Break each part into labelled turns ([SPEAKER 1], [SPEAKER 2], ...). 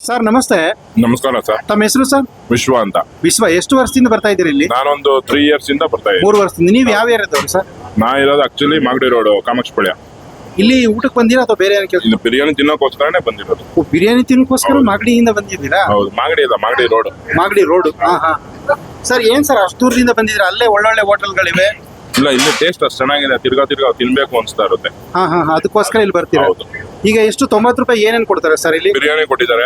[SPEAKER 1] Sir ನಮಸ್ತೆ.
[SPEAKER 2] ನಮಸ್ಕಾರ sir.
[SPEAKER 1] ತಮ್ಮ ಹೆಸರು ಸರ್?
[SPEAKER 2] ವಿಶ್ವ ಅಂತ.
[SPEAKER 1] ವಿಶ್ವ, ಎಷ್ಟು ವರ್ಷದಿಂದ ಬರ್ತಾ ಇದ್ದೀರಿ ಇಲ್ಲಿ?
[SPEAKER 2] ನಾನೊಂದು 3 years ಇಂದ ಬರ್ತಾ ಇದ್ದೀನಿ.
[SPEAKER 1] 3 ವರ್ಷದಿಂದ. ನೀವು ಯಾವ ಏರಿಯಾದವ್ರು ಸರ್?
[SPEAKER 2] ನಾ ಇರೋದು ಆಕ್ಚುಲಿ ಮಾಗಡಿ ರೋಡ್, ಕಾಮಾಕ್ಷಪಾಳ್ಯ.
[SPEAKER 1] ಇಲ್ಲಿ ಊಟಕ್ಕೆ ಬಂದಿರಾ ಅಥವಾ ಬೇರೆ ಏನಕ್ಕೆ?
[SPEAKER 2] ಇಲ್ಲಿ ಬಿರಿಯಾನಿ ತಿನ್ನೋಕೋಸ್ಕರನೇ ಬಂದಿರೋದು.
[SPEAKER 1] ಬಿರಿಯಾನಿ ತಿನ್ನೋಕೋಸ್ಕರ ಮಾಗಡಿಯಿಂದ ಬಂದಿದ್ದೀರಾ?
[SPEAKER 2] ಹೌದು, ಮಾಗಡಿ ಇಲ್ಲ, Magadi road.
[SPEAKER 1] Magadi road. Sir ಏನ್ ಸರ್ ಅಷ್ಟು ದೂರದಿಂದ ಬಂದಿದ್ದೀರಾ? ಅಲ್ಲೇ ಒಳ್ಳೊಳ್ಳೆ ಹೋಟೆಲ್ಗಳಿವೆ.
[SPEAKER 2] ಇಲ್ಲ, ಇಲ್ಲಿ ಟೇಸ್ಟ್ ಅಷ್ಟು ಚೆನ್ನಾಗಿದೆ, ತಿರ್ಗಾ ತಿನ್ಬೇಕು ಅನ್ಸ್ತಾ ಇರುತ್ತೆ.
[SPEAKER 1] ಅದಕ್ಕೋಸ್ಕರ ಇಲ್ಲಿ ಬರ್ತೀರಾ?
[SPEAKER 2] ಹೌದು.
[SPEAKER 1] ಈಗ ಎಷ್ಟು 90 ರೂಪಾಯಿ ಏನೇನ್ ಕೊಡ್ತಾರೆ ಸರ್ ಇಲ್ಲಿ?
[SPEAKER 2] ಬಿರಿಯಾನಿ ಕೊಟ್ಟಿದ್ದಾರೆ,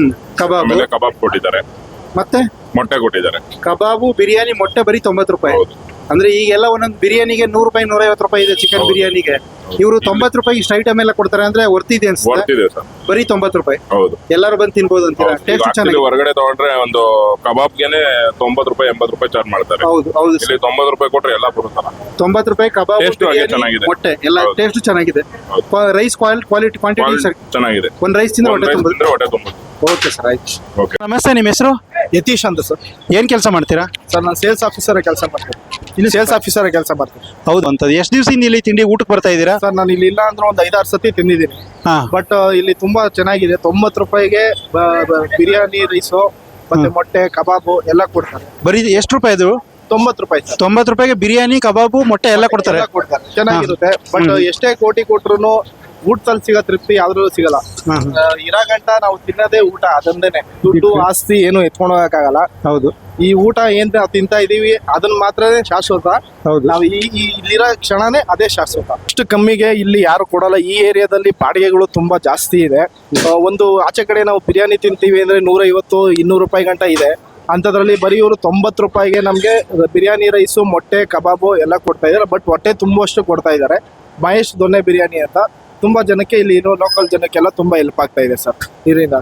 [SPEAKER 2] ಕಬಾಬ್ ಕೊಟ್ಟಿದ್ದಾರೆ,
[SPEAKER 1] ಮತ್ತೆ
[SPEAKER 2] ಮೊಟ್ಟೆ ಕೊಟ್ಟಿದ್ದಾರೆ.
[SPEAKER 1] ಕಬಾಬು, ಬಿರಿಯಾನಿ, ಮೊಟ್ಟೆ ಬರೀ 90 ರೂಪಾಯಿ.
[SPEAKER 2] ಹೌದು.
[SPEAKER 1] ಅಂದ್ರೆ ಈಗೆಲ್ಲ ಒಂದೊಂದು ಬಿರಿಯಾನಿಗೆ 100 ರೂಪಾಯಿ 150 ರೂಪಾಯಿ ಇದೆ ಚಿಕನ್ ಬಿರಿಯಾನಿಗೆ. ಇವರು 90 ರೂಪಾಯಿ ಇಷ್ಟು ಐಟಮ್ ಎಲ್ಲ ಕೊಡ್ತಾರೆ ಅಂದ್ರೆ ವರ್ತಿದೆ ಅನ್ಸುತ್ತೆ.
[SPEAKER 2] ವರ್ತಿದೆ ಸರ್.
[SPEAKER 1] ಬರೀ 90 ರೂಪಾಯಿ.
[SPEAKER 2] ಹೌದು.
[SPEAKER 1] ಎಲ್ಲರೂ ಬಂದು ತಿನ್ಬೋದು ಅಂತೀರಾ? ಟೇಸ್ಟ್ ಚೆನ್ನಾಗಿದೆ.
[SPEAKER 2] ಹೊರಗಡೆ ತಗೊಂಡ್ರೆ ಒಂದು ಕಬಾಬ್ಗೆನೆ 90 ರೂಪಾಯಿ 80 ರೂಪಾಯಿ ಚಾರ್ಜ್ ಮಾಡ್ತಾರೆ.
[SPEAKER 1] ಹೌದು ಹೌದು.
[SPEAKER 2] ಇಲ್ಲಿ 90 ರೂಪಾಯಿ ಕೊಟ್ರೆ ಎಲ್ಲ ಬರುತ್ತಲ್ಲ.
[SPEAKER 1] 90 ರೂಪಾಯಿ ಕಬಾಬ್,
[SPEAKER 2] ಚೆನ್ನಾಗಿದೆ,
[SPEAKER 1] ಮೊಟ್ಟೆ ಎಲ್ಲ ಟೇಸ್ಟ್ ಚೆನ್ನಾಗಿದೆ. ರೈಸ್ ಕ್ವಾಲಿಟಿ ಕ್ವಾಂಟಿಟಿ
[SPEAKER 2] ಚೆನ್ನಾಗಿದೆ.
[SPEAKER 1] ಒಂದ್ ರೈಸ್ ತಿಂದ್ರೆ ಹೊಟ್ಟೆ ತುಂಬ. ಓಕೆ ಸರ್, ಆಯ್ತು.
[SPEAKER 2] ಓಕೆ.
[SPEAKER 1] ನಮಸ್ತೆ, ನಿಮ್ಮ ಹೆಸರು?
[SPEAKER 3] ಯತೀಶ್ ಅಂತ ಸರ್.
[SPEAKER 1] ಏನ್ ಕೆಲಸ ಮಾಡ್ತೀರಾ
[SPEAKER 3] ಸರ್? ನಾನು ಸೇಲ್ಸ್ ಆಫೀಸರ್ ಕೆಲಸ ಮಾಡ್ತೀನಿ. ಇಲ್ಲಿ ಸೇಲ್ಸ್ ಆಫೀಸರ್ ಕೆಲಸ ಮಾಡ್ತೀನಿ.
[SPEAKER 1] ಹೌದು ಅಂತ. ಎಷ್ಟು ದಿವಸದಿಂದ ಇಲ್ಲಿ ತಿಂಡಿ ಊಟಕ್ಕೆ ಬರ್ತಾ ಇದ್ದೀರಾ
[SPEAKER 3] ಸರ್? ನಾನು ಇಲ್ಲಿ ಇಲ್ಲ ಅಂದ್ರೆ ಒಂದು 5-6 ಸತಿ ತಿಂದಿದ್ದೀನಿ. ಬಟ್ ಇಲ್ಲಿ ತುಂಬಾ ಚೆನ್ನಾಗಿದೆ. 90 ರೂಪಾಯಿಗೆ ಬಿರಿಯಾನಿ, ರೈಸು ಮತ್ತೆ ಮೊಟ್ಟೆ, ಕಬಾಬು ಎಲ್ಲ ಕೊಡ್ತಾರೆ.
[SPEAKER 1] ಬರೀ ಎಷ್ಟು ರೂಪಾಯಿ ಅದು?
[SPEAKER 3] 90 ರೂಪಾಯಿ ಸರ್.
[SPEAKER 1] 90 ರೂಪಾಯಿಗೆ ಬಿರಿಯಾನಿ, ಕಬಾಬು, ಮೊಟ್ಟೆ ಎಲ್ಲ ಕೊಡ್ತಾರೆ.
[SPEAKER 3] ಚೆನ್ನಾಗಿರುತ್ತೆ. ಬಟ್ ಎಷ್ಟೇ ಕೋಟಿ ಕೊಟ್ರು ಊಟದಲ್ಲಿ ಸಿಗೋ ತೃಪ್ತಿ ಯಾವ್ದ್ರಲ್ಲೂ ಸಿಗಲ್ಲ. ಇರೋ ಗಂಟ ನಾವು ತಿನ್ನೋದೇ ಊಟ, ಅದೊಂದೇನೆ. ದುಡ್ಡು ಆಸ್ತಿ ಏನು ಎತ್ಕೊಂಡು ಹೋಗಕ್ಕಾಗಲ್ಲ.
[SPEAKER 1] ಹೌದು.
[SPEAKER 3] ಈ ಊಟ ಏನ್ ತಿಂತಾ ಇದೀವಿ ಅದನ್ನ ಮಾತ್ರನೇ ಶಾಶ್ವತ. ನಾವು ಇಲ್ಲಿರೋ ಕ್ಷಣನೇ ಅದೇ ಶಾಶ್ವತ. ಅಷ್ಟು ಕಮ್ಮಿಗೆ ಇಲ್ಲಿ ಯಾರು ಕೊಡಲ್ಲ. ಈ ಏರಿಯಾದಲ್ಲಿ ಬಾಡಿಗೆಗಳು ತುಂಬಾ ಜಾಸ್ತಿ ಇದೆ. ಒಂದು ಆಚೆ ಕಡೆ ನಾವು ಬಿರಿಯಾನಿ ತಿಂತೀವಿ ಅಂದ್ರೆ 150-200 ರೂಪಾಯಿ ಗಂಟ ಇದೆ. ಅಂಥದ್ರಲ್ಲಿ ಬರೀ ಇವರು 90 ರೂಪಾಯಿಗೆ ನಮಗೆ ಬಿರಿಯಾನಿ, ರೈಸು, ಮೊಟ್ಟೆ, ಕಬಾಬು ಎಲ್ಲ ಕೊಡ್ತಾ ಇದ್ದಾರೆ. ಬಟ್ ಹೊಟ್ಟೆ ತುಂಬುವಷ್ಟು ಕೊಡ್ತಾ ಇದ್ದಾರೆ. ಮಹೇಶ್ ದೊನ್ನೆ ಬಿರಿಯಾನಿ ಅಂತ. ತುಂಬಾ ಜನಕ್ಕೆ ಇಲ್ಲಿ ಇರೋ ಲೋಕಲ್ ಜನಕ್ಕೆಲ್ಲ ತುಂಬಾ ಹೆಲ್ಪ್ ಆಗ್ತಾ ಇದೆ ಸರ್ ಇದರಿಂದ.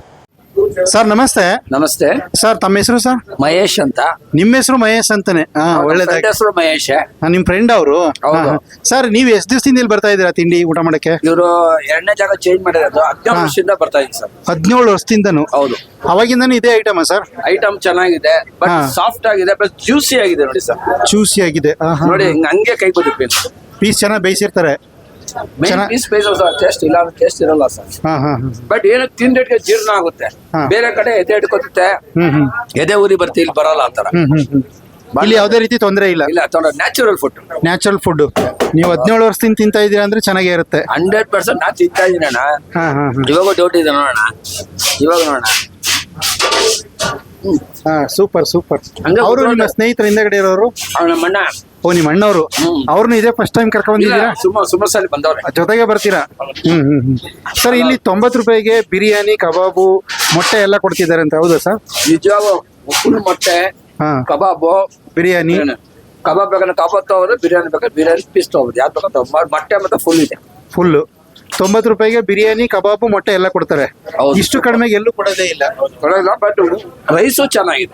[SPEAKER 1] ಸರ್ ನಮಸ್ತೆ.
[SPEAKER 4] ನಮಸ್ತೆ
[SPEAKER 1] ಸರ್, ತಮ್ಮ ಹೆಸರು ಸರ್?
[SPEAKER 4] ಮಹೇಶ್ ಅಂತ.
[SPEAKER 1] ನಿಮ್ಮ ಹೆಸರು ಮಹೇಶ್ ಅಂತಾನೆ? ಒಳ್ಳೇದಾಗಿ.
[SPEAKER 4] ಹೆಸರು ಮಹೇಶ್.
[SPEAKER 1] ನಿಮ್ ಫ್ರೆಂಡ್ ಅವರು? ಸರ್, ನೀವು ಎಷ್ಟು ದಿವಸದಿಂದ ಇಲ್ಲಿ ಬರ್ತಾ ಇದ್ದೀರಾ ತಿಂಡಿ ಊಟ ಮಾಡಕ್ಕೆ?
[SPEAKER 4] ಇವರು 2ನೇ ಜಾಗ ಚೇಂಜ್ ಮಾಡಿರೋದು. 17 ವರ್ಷದಿಂದ ಬರ್ತಾ ಇದ್ದೀನಿ ಸರ್.
[SPEAKER 1] 17 ವರ್ಷದಿಂದನು?
[SPEAKER 4] ಹೌದು.
[SPEAKER 1] ಅವಾಗಿಂದಾನು ಇದೇ ಐಟಮ್ ಸರ್?
[SPEAKER 4] ಐಟಮ್ ಚೆನ್ನಾಗಿದೆ, ಬಟ್ ಸಾಫ್ಟ್ ಆಗಿದೆ, ಪ್ಲಸ್ ಜ್ಯೂಸಿ ಆಗಿದೆ ನೋಡಿ ಸರ್.
[SPEAKER 1] ಜ್ಯೂಸಿ ಆಗಿದೆ
[SPEAKER 4] ನೋಡಿ, ಹಂಗೆ ಕೈ ಬದುಕಿ.
[SPEAKER 1] ಪೀಸ್ ಚೆನ್ನಾಗಿ ಬೇಯಿಸಿರ್ತಾರೆ.
[SPEAKER 4] ಪೀಸ್ ಟೇಸ್ಟ್ ಇಲ್ಲ ಅಂದ್ರೆ ಟೇಸ್ಟ್ ಇರಲ್ಲ ಸರ್. ಬಟ್ ಏನು ತಿಂದಿಟ್ಗೆ ಜೀರ್ಣ ಆಗುತ್ತೆ. ಬೇರೆ ಕಡೆ ಎದೆ ಇಟ್ಕೊತ್ತೆ, ಎದೆ ಊರಿ ಬರ್ತೀವಿ, ಇಲ್ಲಿ ಬರಲ್ಲ ಆತರ.
[SPEAKER 1] ಇಲ್ಲಿ ಯಾವುದೇ ರೀತಿ ತೊಂದರೆ ಇಲ್ಲ.
[SPEAKER 4] ಇಲ್ಲ, ನ್ಯಾಚುರಲ್ ಫುಡ್.
[SPEAKER 1] Natural food. ನೀವು 17 ವರ್ಷದಿಂದ ತಿಂತಾ ಇದ್ದೀರಾ ಅಂದ್ರೆ ಚೆನ್ನಾಗೇ ಇರುತ್ತೆ.
[SPEAKER 4] 100% ನಾ ತಿಂತಾ ಇದ್ದೀನಿ ಅಣ್ಣ. ಇವಾಗ ಡೌಟ್ ಇದೆ ನೋಡೋಣ. ಇವಾಗ ನೋಡೋಣ.
[SPEAKER 1] Super super. ಅವರು ನಿಮ್ಮ ಸ್ನೇಹಿತರ ಹಿಂದಗಡೆ ಇರೋರು?
[SPEAKER 4] ನಮ್ಮ ಅಣ್ಣ.
[SPEAKER 1] ಓ, ನಿಮ್ಮ ಅಣ್ಣವರು. ಅವ್ರನ್ನ ಇದೇ ಫಸ್ಟ್ ಟೈಮ್ ಕರ್ಕೊಂಡ್ ಬಂದಿದ್ದೀರಾ?
[SPEAKER 4] ಸುಮಾರು ಸಲ ಬಂದವ್ರೆ.
[SPEAKER 1] ಜೊತೆಗೆ ಬರ್ತೀರಾ? ಸರ್, ಇಲ್ಲಿ 90 ರೂಪಾಯಿಗೆ ಬಿರಿಯಾನಿ, ಕಬಾಬು, ಮೊಟ್ಟೆ ಎಲ್ಲ ಕೊಡ್ತಿದ್ದಾರೆ ಅಂತ, ಹೌದಾ ಸರ್?
[SPEAKER 4] ನಿಜವಾಗ ಫುಲ್ ಮೊಟ್ಟೆ, ಕಬಾಬು,
[SPEAKER 1] ಬಿರಿಯಾನಿ.
[SPEAKER 4] ಕಬಾಬ್ ಬೇಕಾದ್ರೆ ಕಬಾಬ್ ತಗೋದು, ಬಿರಿಯಾನಿ ಬೇಕಾದ್ರೆ ಬಿರಿಯಾನಿ ಪೀಸ್ ತಗೋದು. ಯಾವ್ದು ಬೇಕಾದ್ರೆ ಮೊಟ್ಟೆ ಮತ್ತೆ ಫುಲ್ ಇದೆ.
[SPEAKER 1] ಫುಲ್ಲು 90 ರೂಪಾಯಿಗೆ ಬಿರಿಯಾನಿ, ಕಬಾಬು, ಮೊಟ್ಟೆ ಎಲ್ಲ ಕೊಡ್ತಾರೆ. ಇಷ್ಟು ಕಡಿಮೆಗೆ ಎಲ್ಲೂ ಕೊಡೋದೇ ಇಲ್ಲ.
[SPEAKER 4] ಬಟ್ ರೈಸು ಚೆನ್ನಾಗಿದೆ.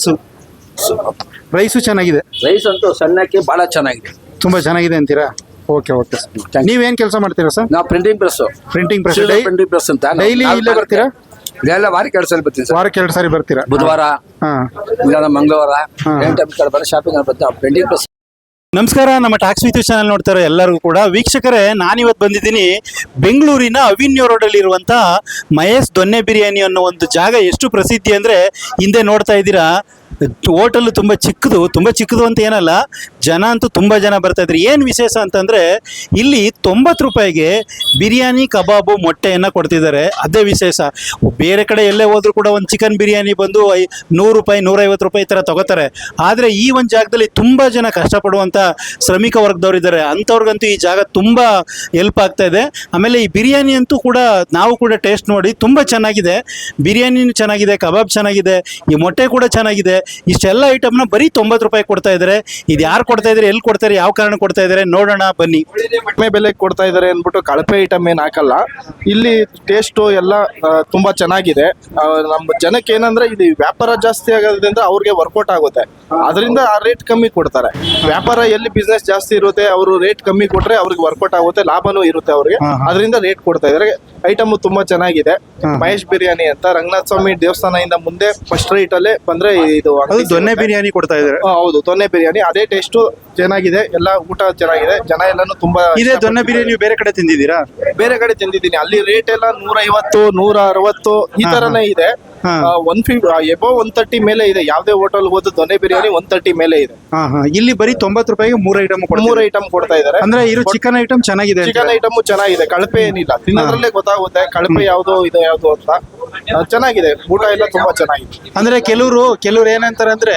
[SPEAKER 1] ರೈಸು ಚೆನ್ನಾಗಿದೆ.
[SPEAKER 4] ರೈಸ್ ಅಂತೂ ಸಣ್ಣಕ್ಕೆ ಬಹಳ ಚೆನ್ನಾಗಿದೆ.
[SPEAKER 1] ತುಂಬಾ ಚೆನ್ನಾಗಿದೆ ಅಂತೀರಾ? Okay okay sir. ನೀವೇನ್ ಕೆಲಸ ಮಾಡ್ತೀರಾ ಸರ್?
[SPEAKER 4] ನಾವು ಪ್ರಿಂಟಿಂಗ್ ಪ್ರೆಸ್ ಅಂತ.
[SPEAKER 1] ಡೈಲಿ ಇಲ್ಲೇ ಬರ್ತೀರಾ?
[SPEAKER 4] ಎಲ್ಲ ವಾರಕ್ಕೆ 2 ಸಲ ಬರ್ತೀನಿ.
[SPEAKER 1] ವಾರಕ್ಕೆ 2 ಸಾರಿ ಬರ್ತೀರಾ?
[SPEAKER 4] ಬುಧವಾರ, ಮಂಗಳವಾರ ಶಾಪಿಂಗ್ ಪ್ರಿಂಟಿಂಗ್ ಪ್ರೆಸ್.
[SPEAKER 1] ನಮಸ್ಕಾರ. ನಮ್ಮ ಟಾಕ್ಸ್ ವಿತ್ ಚಾನಲ್ ನೋಡ್ತಾರೆ ಎಲ್ಲರಿಗೂ ಕೂಡ. ವೀಕ್ಷಕರೇ, ನಾನಿವತ್ತು ಬಂದಿದ್ದೀನಿ ಬೆಂಗಳೂರಿನ ಅವಿನ್ಯೂ ರೋಡಲ್ಲಿ ಇರುವಂಥ ಮಹೇಶ್ ದೊನ್ನೆ ಬಿರಿಯಾನಿ ಅನ್ನೋ ಒಂದು ಜಾಗ. ಎಷ್ಟು ಪ್ರಸಿದ್ಧಿ ಅಂದರೆ ಹಿಂದೆ ನೋಡ್ತಾ ಇದ್ದೀರಾ, ಹೋಟೆಲ್ ತುಂಬ ಚಿಕ್ಕದು ಅಂತ ಏನಲ್ಲ, ಜನ ಅಂತೂ ತುಂಬ ಜನ ಬರ್ತಾಯಿದ್ರು. ಏನು ವಿಶೇಷ ಅಂತಂದರೆ ಇಲ್ಲಿ 90 ರೂಪಾಯಿಗೆ ಬಿರಿಯಾನಿ, ಕಬಾಬು, ಮೊಟ್ಟೆಯನ್ನು ಕೊಡ್ತಿದ್ದಾರೆ. ಅದೇ ವಿಶೇಷ. ಬೇರೆ ಕಡೆ ಎಲ್ಲೇ ಹೋದರೂ ಕೂಡ ಒಂದು ಚಿಕನ್ ಬಿರಿಯಾನಿ ಬಂದು 100 ರೂಪಾಯಿ 150 ರೂಪಾಯಿ ಈ ಥರ ತೊಗೋತಾರೆ. ಆದರೆ ಈ ಒಂದು ಜಾಗದಲ್ಲಿ ತುಂಬ ಜನ ಕಷ್ಟಪಡುವಂಥ ಶ್ರಮಿಕ ವರ್ಗದವರಿದ್ದಾರೆ. ಅಂಥವ್ರಿಗಂತೂ ಈ ಜಾಗ ತುಂಬ ಹೆಲ್ಪ್ ಆಗ್ತಾ ಇದೆ. ಆಮೇಲೆ ಈ ಬಿರಿಯಾನಿ ಅಂತೂ ಕೂಡ ನಾವು ಕೂಡ ಟೇಸ್ಟ್ ನೋಡಿ ತುಂಬ ಚೆನ್ನಾಗಿದೆ. ಬಿರಿಯಾನಿನೂ ಚೆನ್ನಾಗಿದೆ, ಕಬಾಬ್ ಚೆನ್ನಾಗಿದೆ, ಈ ಮೊಟ್ಟೆ ಕೂಡ ಚೆನ್ನಾಗಿದೆ. ಇಷ್ಟೆಲ್ಲ ಐಟಮ್ನ ಬರೀ 90 ರೂಪಾಯಿ ಕೊಡ್ತಾ ಇದ್ದಾರೆ. ಇದು ಯಾರು ಕೊಡ್ತಾ ಇದ್ದಾರೆ, ಎಲ್ಲಿ ಕೊಡ್ತಾರೆ, ಯಾವ ಕಾರಣ ಕೊಡ್ತಾ ಇದ್ದಾರೆ ನೋಡೋಣ ಬನ್ನಿ.
[SPEAKER 3] ಕಡಿಮೆ ಬೆಲೆಗೆ ಕೊಡ್ತಾ ಇದ್ದಾರೆ ಅಂದ್ಬಿಟ್ಟು ಕಳಪೆ ಐಟಮ್ ಏನು ಹಾಕಲ್ಲ. ಇಲ್ಲಿ ಟೇಸ್ಟು ಎಲ್ಲ ತುಂಬಾ ಚೆನ್ನಾಗಿದೆ. ನಮ್ಮ ಜನಕ್ಕೆ ಏನಂದ್ರೆ ಇದು ವ್ಯಾಪಾರ ಜಾಸ್ತಿ ಆಗೋದ್ರಿಂದ ಅವ್ರಿಗೆ ವರ್ಕೌಟ್ ಆಗುತ್ತೆ. ಅದರಿಂದ ಆ ರೇಟ್ ಕಮ್ಮಿ ಕೊಡ್ತಾರೆ. ವ್ಯಾಪಾರ ಎಲ್ಲಿ ಬಿಸ್ನೆಸ್ ಜಾಸ್ತಿ ಇರುತ್ತೆ, ಅವರು ರೇಟ್ ಕಮ್ಮಿ ಕೊಟ್ರೆ ಅವ್ರಿಗೆ ವರ್ಕೌಟ್ ಆಗುತ್ತೆ, ಲಾಭನೂ ಇರುತ್ತೆ ಅವ್ರಿಗೆ. ಅದರಿಂದ ರೇಟ್ ಕೊಡ್ತಾ ಇದ್ದಾರೆ. ಐಟಮ್ ತುಂಬಾ ಚೆನ್ನಾಗಿದೆ. ಮಹೇಶ್ ಬಿರಿಯಾನಿ ಅಂತ, ರಂಗನಾಥ ಸ್ವಾಮಿ ದೇವಸ್ಥಾನದಿಂದ ಮುಂದೆ ಫಸ್ಟ್ ರೈಟ್ ಅಲ್ಲೇ ಬಂದ್ರೆ ಇದು
[SPEAKER 1] ದೊನ್ನೆ ಬಿರಿಯಾನಿ ಕೊಡ್ತಾ ಇದ್ದಾರೆ.
[SPEAKER 3] ಹೌದು, ದೊನ್ನೆ ಬಿರಿಯಾನಿ. ಅದೇ ಟೇಸ್ಟ್ ಚೆನ್ನಾಗಿದೆ, ಎಲ್ಲ ಊಟ ಚೆನ್ನಾಗಿದೆ, ಜನ ಎಲ್ಲಾನು ತುಂಬಾ.
[SPEAKER 1] ಇದೇ ದೊನ್ನೆ ಬಿರಿಯಾನಿ ಬೇರೆ ಕಡೆ ತಿಂದಿದ್ದೀರಾ?
[SPEAKER 3] ಬೇರೆ ಕಡೆ ತಿಂದಿದ್ದೀನಿ. ಅಲ್ಲಿ ರೇಟ್ ಎಲ್ಲ 150, 160 ಈ ತರನೇ ಇದೆ.
[SPEAKER 1] ಹಾ.
[SPEAKER 3] 150 ಎಬೋ 130 ಮೇಲೆ ಇದೆ. ಯಾವುದೇ ಹೋಟೆಲ್ ಹೋದ್ರು ದೊನ್ನೆ ಬಿರಿಯಾನಿ 130 ಮೇಲೆ ಇದೆ.
[SPEAKER 1] ಇಲ್ಲಿ ಬರೀ 90 ರೂಪಾಯಿಗೆ 3 ಐಟಮ್
[SPEAKER 3] ಮೂರು ಐಟಮ್ ಕೊಡ್ತಾ ಇದಾರೆ.
[SPEAKER 1] ಅಂದ್ರೆ ಇರೋ ಚಿಕನ್ ಐಟಮ್ ಚೆನ್ನಾಗಿದೆ
[SPEAKER 3] ಚಿಕನ್ ಐಟಮ್ ಚೆನ್ನಾಗಿದೆ, ಕಳಪೆ ಏನಿಲ್ಲ. ತಿನ್ನೋದ್ರಲ್ಲೇ ಗೊತ್ತಾಗುತ್ತೆ ಕಳಪೆ ಯಾವ್ದು ಇದು ಯಾವ್ದು ಅಂತ. ಚೆನ್ನಾಗಿದೆ, ಊಟ ಎಲ್ಲ ತುಂಬಾ ಚೆನ್ನಾಗಿದೆ.
[SPEAKER 1] ಅಂದ್ರೆ ಕೆಲವ್ರು ಏನಂತಾರೆ ಅಂದ್ರೆ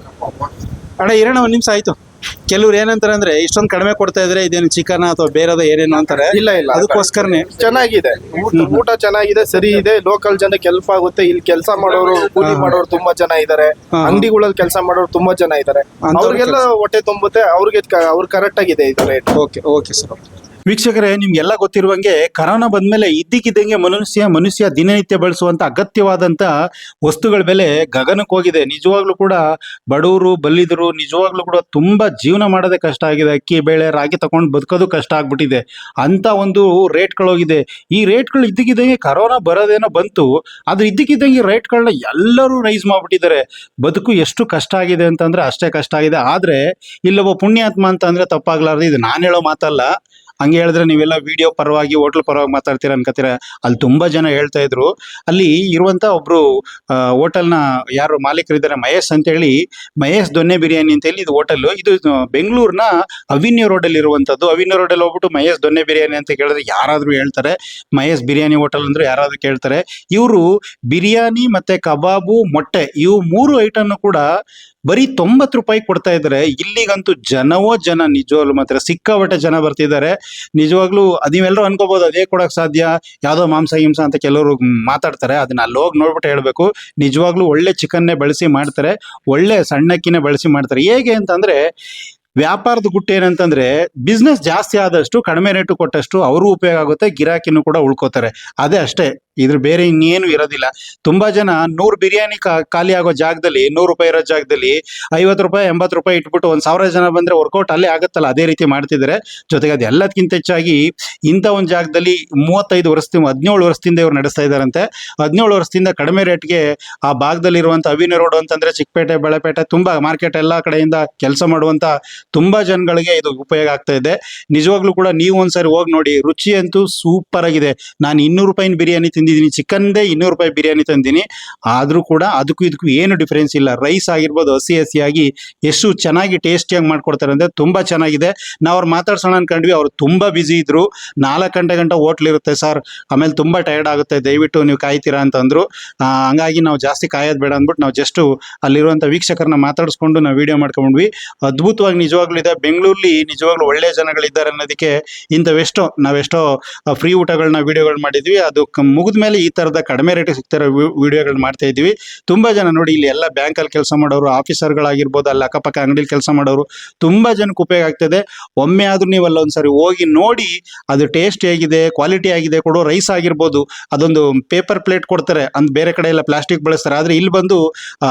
[SPEAKER 1] ಅಣ್ಣ ಇರೋಣ ಒಂದ್ ನಿಮಿಷ ಆಯ್ತು. ಕೆಲವ್ರು ಏನಂತಾರೆ ಅಂದ್ರೆ ಇಷ್ಟೊಂದು ಕಡಿಮೆ ಕೊಡ್ತಾ ಇದ್ರೆ ಇದೇನು ಚಿಕನ್ ಅಥವಾ ಬೇರೆದ ಏನೇನು ಅಂತಾರೆ.
[SPEAKER 3] ಇಲ್ಲ
[SPEAKER 1] ಅದಕ್ಕೋಸ್ಕರನೇ
[SPEAKER 3] ಚೆನ್ನಾಗಿದೆ, ಊಟ ಚೆನ್ನಾಗಿದೆ, ಸರಿ ಇದೆ. ಲೋಕಲ್ ಜನಕ್ಕೆ ಹೆಲ್ಪ್ ಆಗುತ್ತೆ. ಇಲ್ಲಿ ಕೆಲಸ ಮಾಡೋರು, ಕೂಲಿ ಮಾಡೋರು ತುಂಬಾ ಜನ ಇದಾರೆ. ಅಂಗಡಿಗಳಲ್ಲಿ ಕೆಲಸ ಮಾಡೋರು ತುಂಬಾ ಜನ ಇದಾರೆ. ಅವ್ರಿಗೆಲ್ಲ ಹೊಟ್ಟೆ ತುಂಬುತ್ತೆ. ಅವ್ರು ಕರೆಕ್ಟ್ ಆಗಿದೆ ಇದು ರೇಟ್.
[SPEAKER 1] Okay sir. ವೀಕ್ಷಕರೇ, ನಿಮ್ಗೆಲ್ಲ ಗೊತ್ತಿರುವಂಗೆ ಕರೋನಾ ಬಂದ್ಮೇಲೆ ಇದ್ದಕ್ಕಿದ್ದಂಗೆ ಮನುಷ್ಯ ದಿನನಿತ್ಯ ಬಳಸುವಂತ ಅಗತ್ಯವಾದಂತ ವಸ್ತುಗಳ ಬೆಲೆ ಗಗನಕ್ಕೆ ಹೋಗಿದೆ. ನಿಜವಾಗ್ಲೂ ಕೂಡ ಬಡವರು ಬಲ್ಲಿದರು ನಿಜವಾಗ್ಲೂ ಕೂಡ ತುಂಬಾ ಜೀವನ ಮಾಡೋದೇ ಕಷ್ಟ ಆಗಿದೆ. ಅಕ್ಕಿ ಬೇಳೆ ರಾಗಿ ತಗೊಂಡು ಬದುಕೋದು ಕಷ್ಟ ಆಗ್ಬಿಟ್ಟಿದೆ ಅಂತ ಒಂದು ರೇಟ್ಗಳೋಗಿದೆ. ಈ ರೇಟ್ಗಳು ಇದ್ದಕ್ಕಿದ್ದಂಗೆ ಕರೋನಾ ಬರೋದೇನೋ ಬಂತು, ಆದ್ರೆ ಇದ್ದಕ್ಕಿದ್ದಂಗೆ ರೇಟ್ಗಳನ್ನ ಎಲ್ಲರೂ ರೈಸ್ ಮಾಡ್ಬಿಟ್ಟಿದ್ದಾರೆ. ಬದುಕು ಎಷ್ಟು ಕಷ್ಟ ಆಗಿದೆ ಅಂತಂದ್ರೆ ಅಷ್ಟೇ ಕಷ್ಟ ಆಗಿದೆ. ಆದ್ರೆ ಇಲ್ಲೊಬ್ಬ ಪುಣ್ಯಾತ್ಮ ಅಂತ ಅಂದ್ರೆ ತಪ್ಪಾಗ್ಲಾರ್ದು, ಇದು ನಾನು ಹೇಳೋ ಮಾತಲ್ಲ. ಹಂಗೆ ಹೇಳಿದ್ರೆ ನೀವೆಲ್ಲ ವಿಡಿಯೋ ಪರವಾಗಿ ಹೋಟ್ಲ್ ಪರವಾಗಿ ಮಾತಾಡ್ತೀರಾ ಅನ್ಕೋತೀರ. ಅಲ್ಲಿ ತುಂಬಾ ಜನ ಹೇಳ್ತಾ ಇದ್ರು. ಅಲ್ಲಿ ಇರುವಂತ ಒಬ್ರು ಹೋಟೆಲ್ನ ಯಾರು ಮಾಲೀಕರಿದ್ದಾರೆ, ಮಹೇಶ್ ಅಂತ ಹೇಳಿ, ಮಹೇಶ್ ದೊನ್ನೆ ಬಿರಿಯಾನಿ ಅಂತ ಹೇಳಿ ಇದು ಹೋಟೆಲ್. ಇದು ಬೆಂಗಳೂರಿನ ಅವಿನ್ಯೂ ರೋಡಲ್ಲಿ ಇರುವಂತದ್ದು. ಅವಿನ್ಯೂ ರೋಡಲ್ಲಿ ಹೋಗ್ಬಿಟ್ಟು ಮಹೇಶ್ ದೊನ್ನೆ ಬಿರಿಯಾನಿ ಅಂತ ಕೇಳಿದ್ರೆ ಯಾರಾದ್ರೂ ಹೇಳ್ತಾರೆ. ಮಹೇಶ್ ಬಿರಿಯಾನಿ ಹೋಟೆಲ್ ಅಂದ್ರೆ ಯಾರಾದ್ರೂ ಕೇಳ್ತಾರೆ. ಇವರು ಬಿರಿಯಾನಿ ಮತ್ತೆ ಕಬಾಬು, ಮೊಟ್ಟೆ, ಇವು 3 ಐಟಮ್ ಕೂಡ ಬರೀ 90 ರೂಪಾಯಿ ಕೊಡ್ತಾ ಇದ್ದಾರೆ. ಇಲ್ಲಿಗಂತೂ ಜನವೋ ಜನ, ನಿಜವಾಗ್ಲು ಮಾತ್ರ ಸಿಕ್ಕಾಪಟ್ಟೆ ಜನ ಬರ್ತಿದ್ದಾರೆ. ನಿಜವಾಗ್ಲೂ ನೀವೆಲ್ಲರೂ ಅನ್ಕೋಬಹುದು ಅದೇ ಕೊಡಕ್ ಸಾಧ್ಯ, ಯಾವ್ದೋ ಮಾಂಸ ಹಿಂಸ ಅಂತ ಕೆಲವರು ಮಾತಾಡ್ತಾರೆ. ಅದನ್ನ ಅಲ್ಲಿ ಹೋಗಿ ನೋಡ್ಬಿಟ್ಟು ಹೇಳ್ಬೇಕು. ನಿಜವಾಗ್ಲೂ ಒಳ್ಳೆ ಚಿಕನ್ನೇ ಬಳಸಿ ಮಾಡ್ತಾರೆ, ಒಳ್ಳೆ ಸಣ್ಣಕ್ಕಿನೇ ಬಳಸಿ ಮಾಡ್ತಾರೆ. ಹೇಗೆ ಅಂತಂದ್ರೆ ವ್ಯಾಪಾರದ ಗುಟ್ಟು ಏನಂತಂದ್ರೆ ಬಿಸ್ನೆಸ್ ಜಾಸ್ತಿ ಆದಷ್ಟು ಕಡಿಮೆ ರೇಟು ಕೊಟ್ಟಷ್ಟು ಅವರು ಉಪಯೋಗ ಆಗುತ್ತೆ, ಗಿರಾಕಿನೂ ಕೂಡ ಉಳ್ಕೋತಾರೆ. ಅದೇ ಅಷ್ಟೇ, ಇದ್ರ ಬೇರೆ ಇನ್ನೇನು ಇರೋದಿಲ್ಲ. ತುಂಬಾ ಜನ 100 ಬಿರಿಯಾನಿ ಖಾಲಿ ಆಗೋ ಜಾಗದಲ್ಲಿ, 100 ರೂಪಾಯಿ ಇರೋ ಜಾಗದಲ್ಲಿ 50 ರೂಪಾಯಿ 80 ರೂಪಾಯಿ ಇಟ್ಬಿಟ್ಟು 1000 ಜನ ಬಂದ್ರೆ ವರ್ಕೌಟ್ ಅಲ್ಲೇ ಆಗುತ್ತಲ್ಲ, ಅದೇ ರೀತಿ ಮಾಡ್ತಿದ್ದಾರೆ. ಜೊತೆಗೆ ಅದು ಎಲ್ಲದಕ್ಕಿಂತ ಹೆಚ್ಚಾಗಿ ಇಂಥ ಒಂದು ಜಾಗದಲ್ಲಿ 35 ವರ್ಷದಿಂದ 17 ವರ್ಷದಿಂದ ಇವ್ರು ನಡೆಸ್ತಾ ಇದ್ದಾರಂತೆ. 17 ವರ್ಷದಿಂದ ಕಡಿಮೆ ರೇಟ್ಗೆ ಆ ಭಾಗದಲ್ಲಿರುವಂತ ಅವಿನ್ಯೂ ರೋಡ್ ಅಂತಂದ್ರೆ ಚಿಕ್ಕಪೇಟೆ, ಬೆಳಪೇಟೆ, ತುಂಬಾ ಮಾರ್ಕೆಟ್ ಎಲ್ಲಾ ಕಡೆಯಿಂದ ಕೆಲಸ ಮಾಡುವಂತ ತುಂಬಾ ಜನಗಳಿಗೆ ಇದು ಉಪಯೋಗ ಆಗ್ತಾ ಇದೆ. ನಿಜವಾಗ್ಲೂ ಕೂಡ ನೀವು ಒಂದ್ಸರಿ ಹೋಗಿ ನೋಡಿ, ರುಚಿ ಅಂತೂ ಸೂಪರ್ ಆಗಿದೆ. ನಾನು 200 ರೂಪಾಯಿನ ಬಿರಿಯಾನಿ ತಿಂದಿದ್ದೀನಿ, ಚಿಕನ್ದೇ 200 ರೂಪಾಯಿ ಬಿರಿಯಾನಿ ತಂದಿನಿ. ಆದ್ರೂ ಕೂಡ ಅದಕ್ಕೂ ಇದಕ್ಕೂ ಏನು ಡಿಫರೆನ್ಸ್ ಇಲ್ಲ. ರೈಸ್ ಆಗಿರ್ಬೋದು ಹಸಿಯಾಗಿ ಎಷ್ಟು ಚೆನ್ನಾಗಿ ಟೇಸ್ಟಿಯಾಗಿ ಮಾಡ್ಕೊಡ್ತಾರೆ ಅಂದ್ರೆ ತುಂಬಾ ಚೆನ್ನಾಗಿದೆ. ನಾವು ಅವ್ರು ಮಾತಾಡ್ಸೋಣ ಅನ್ಕೊಂಡ್ವಿ, ಅವ್ರು ತುಂಬಾ ಬಿಸಿ ಇದ್ರು. 4 ಗಂಟೆ ಹೋಟ್ಲ್ ಇರುತ್ತೆ ಸರ್, ಆಮೇಲೆ ತುಂಬಾ ಟಯರ್ಡ್ ಆಗುತ್ತೆ, ದಯವಿಟ್ಟು ನೀವು ಕಾಯ್ತೀರಾ ಅಂತಂದ್ರು. ಹಂಗಾಗಿ ನಾವು ಜಾಸ್ತಿ ಕಾಯೋದು ಬೇಡ ಅಂದ್ಬಿಟ್ಟು ನಾವು ಜಸ್ಟ್ ಅಲ್ಲಿರುವಂತ ವೀಕ್ಷಕರನ್ನ ಮಾತಾಡಿಸ್ಕೊಂಡು ನಾವು ವಿಡಿಯೋ ಮಾಡ್ಕೊಂಡ್ವಿ. ಅದ್ಭುತವಾಗಿ ನಿಜವಾಗ್ಲೂ ಇದೆ. ಬೆಂಗಳೂರಲ್ಲಿ ನಿಜವಾಗ್ಲೂ ಒಳ್ಳೆ ಜನಗಳಿದ್ದಾರೆ ಅನ್ನೋದಕ್ಕೆ ನಾವೆಷ್ಟೋ ಫ್ರೀ ಊಟಗಳನ್ನ ವಿಡಿಯೋಗಳು ಮಾಡಿದ್ವಿ. ಅದು ಮುಗಿದ ಮೇಲೆ ಈ ತರದ ಕಡಿಮೆ ರೇಟ್ ಸಿಗ್ತಿರೋ ವಿಡಿಯೋಗಳು ಮಾಡ್ತಾ ಇದ್ವಿ. ತುಂಬಾ ಜನ ನೋಡಿ, ಇಲ್ಲಿ ಎಲ್ಲ ಬ್ಯಾಂಕಲ್ಲಿ ಕೆಲಸ ಮಾಡೋರು, ಆಫೀಸರ್ಗಳಾಗಿರ್ಬೋದು, ಅಲ್ಲಿ ಅಕ್ಕಪಕ್ಕ ಅಂಗಡಿಲಿ ಕೆಲಸ ಮಾಡೋರು, ತುಂಬಾ ಜನಕ್ಕೆ ಉಪಯೋಗ ಆಗ್ತದೆ. ಒಮ್ಮೆ ಆದ್ರೂ ನೀವು ಅಲ್ಲೊಂದ್ಸರಿ ಹೋಗಿ ನೋಡಿ, ಅದು ಟೇಸ್ಟ್ ಹೇಗಿದೆ, ಕ್ವಾಲಿಟಿ ಆಗಿದೆ. ಕೊಡೋ ರೈಸ್ ಆಗಿರ್ಬೋದು, ಅದೊಂದು ಪೇಪರ್ ಪ್ಲೇಟ್ ಕೊಡ್ತಾರೆ, ಅಂದ್ ಬೇರೆ ಕಡೆ ಎಲ್ಲ ಪ್ಲಾಸ್ಟಿಕ್ ಬಳಸ್ತಾರೆ. ಆದ್ರೆ ಇಲ್ಲಿ ಬಂದು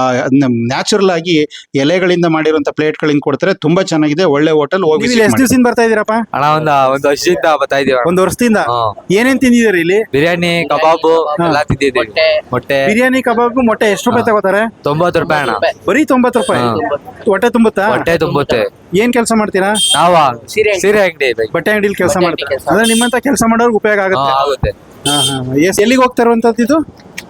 [SPEAKER 1] ನ್ಯಾಚುರಲ್ ಆಗಿ ಎಲೆಗಳಿಂದ ಮಾಡಿರುವಂತ ಪ್ಲೇಟ್ಗಳಿಂದ ಕೊಡ್ತಾರೆ. ತುಂಬಾ ಚೆನ್ನಾಗಿದೆ, ಒಳ್ಳೆ ಹೋಟೆಲ್. ಹೋಗಿ ಎಷ್ಟು ದಿವಸದಿಂದ ಬರ್ತಾ ಇದೀರಪ್ಪ?
[SPEAKER 5] ಅಣ್ಣ ಒಂದು ವರ್ಷದಿಂದ ಬರ್ತಾ ಇದೀವಿ.
[SPEAKER 1] 1 ವರ್ಷದಿಂದ ಏನೇನ್ ತಿಂದಿದ್ದೀರಿ ಇಲ್ಲಿ?
[SPEAKER 5] ಬಿರಿಯಾನಿ, ಕಬಾಬು ಎಲ್ಲ ತಿಂದಿದ್ದೀವಿ. ಮೊಟ್ಟೆ,
[SPEAKER 1] ಬಿರಿಯಾನಿ, ಕಬಾಬ್, ಮೊಟ್ಟೆ ಎಷ್ಟು ರೂಪಾಯಿ ತಗೋತಾರೆ?
[SPEAKER 5] 90 ರೂಪಾಯಿ ಅಣ್ಣ.
[SPEAKER 1] ಬರೀ 90 ರೂಪಾಯಿ. ಹೊಟ್ಟೆ ತುಂಬುತ್ತಾ?
[SPEAKER 5] ಹೊಟ್ಟೆ ತುಂಬುತ್ತೆ.
[SPEAKER 1] ಏನ್ ಕೆಲಸ ಮಾಡ್ತೀರಾ?
[SPEAKER 5] ನಾವ ಸೀರೆ ಅಂಗಡಿ,
[SPEAKER 1] ಬಟ್ಟೆ ಅಂಗಡಿಲಿ ಕೆಲಸ ಮಾಡ್ತೀರಾ? ಅಂದ್ರೆ ನಿಮ್ಮಂತ ಕೆಲಸ ಮಾಡೋರ್ಗೆ ಉಪಯೋಗ ಆಗುತ್ತೆ.
[SPEAKER 5] ಆಗುತ್ತೆ.
[SPEAKER 1] ಎಲ್ಲಿಗೆ ಹೋಗ್ತಾ ಇರುವಂತದ್ದು ಇದು?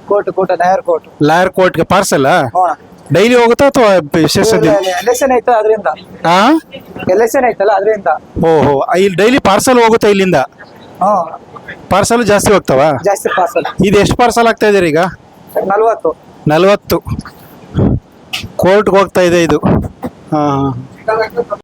[SPEAKER 1] ಲಾಯರ್ ಕೋರ್ಟ್ಗೆ ಪಾರ್ಸಲ್ ಡೈಲಿ ಹೋಗುತ್ತಾ ಅಥವಾ ವಿಶೇಷ ದಿನ?
[SPEAKER 6] ಎಲೆಕ್ಷನ್ ಐತಲ್ಲ ಅದರಿಂದ. ಎಲೆಕ್ಷನ್ ಐತಲ್ಲ ಅದರಿಂದ.
[SPEAKER 1] ಓಹೋ, ಇಲ್ಲಿ ಡೈಲಿ ಪಾರ್ಸಲ್ ಹೋಗುತ್ತಾ ಇಲ್ಲಿಂದ? ಪಾರ್ಸಲ್ ಜಾಸ್ತಿ ಹೋಗ್ತಾವ?
[SPEAKER 6] ಜಾಸ್ತಿ ಪಾರ್ಸಲ್.
[SPEAKER 1] ಇದು ಎಷ್ಟು ಪಾರ್ಸಲ್ ಆಗ್ತಾ ಇದೀರಿ ಈಗ?
[SPEAKER 6] 40
[SPEAKER 1] ಕೋರ್ಟ್ಗೆ ಹೋಗ್ತಾ ಇದೆ ಇದು.